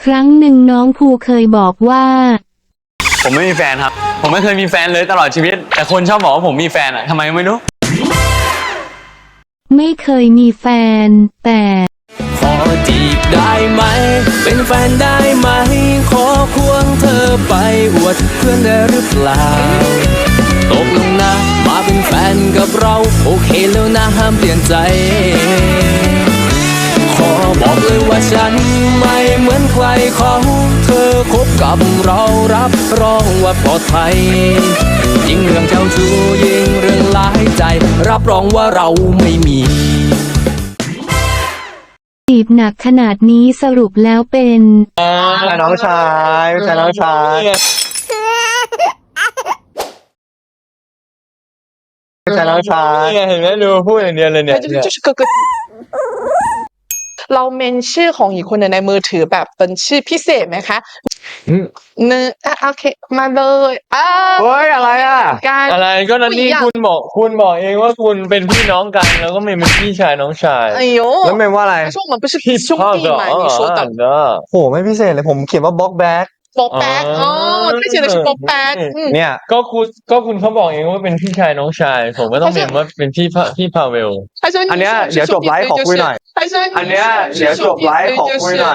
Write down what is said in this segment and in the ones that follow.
ครั้งหนึ่งน้องภูเคยบอกว่าผมไม่มีแฟนครับผมไม่เคยมีแฟนเลยตลอดชีวิตแต่คนชอบบอกว่าผมมีแฟนอะทำไมไม่รู้ไม่เคยมีแฟนแต่ขอจีบได้ไหมเป็นแฟนได้ไหมขอควงเธอไปอวดเพื่อนได้หรือเปล่าตกลงนะมาเป็นแฟนกับเราโอเคแล้วนะห้ามเปลี่ยนใจขอบอกเลยว่าฉันไม่เหมือนใครเขาเธอคบกับเรารับรองว่าปลอดภัยยิ่งเรื่องเจ้าชู้ยิ่งเรื่องหลายใจรับรองว่าเราไม่มีจีบหนักขนาดนี้สรุปแล้วเป็นน้องชายไม่ใช่น้องชายไม่ใช่น้องชายเห็นไหมดูพูดอย่างเดียวเลยเนี่ยเราเมนชื่อของอีกคนในมือถือแบบเป็นชื่อพิเศษไหมคะโอเคมาเลยเฮ้ยอะไรอ่ะอะไรก็นั่นนี่คุณบอกเองว่าคุณเป็นพี่น้องกันแล้วก็ไม่เป็นพี่ชายน้องชาย哎呦แล้วเมนว่าอะไร他说我们不是兄弟嘛你说的โหไม่พิเศษเลยผมเขียนว่าบล็อกแบ็คป๊อกแป๊ก他写的是ป๊อกแป๊กเนี่ยก็คุณเขาบอกเองว่าเป็นพี่ชายน้องชายผมก็ต้องเมนว่าเป็นพี่พาเวลอันเนี้ยเดี๋ยวจบไลฟ์ขอคุยหน่อยอันเนี้ยเดี๋ยวจบไลฟ์ขอคุยหน่อย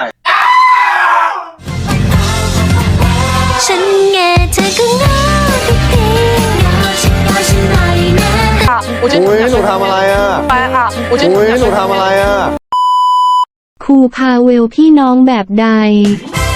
ฉันแง่เธอก็ง่ายทุกทีฉันหน่อยนะอุ้ยหนูทำอะไรอ่ะอุ้ยหนูทำอะไรอ่ะครูพาเวลพี่น้องแบบใด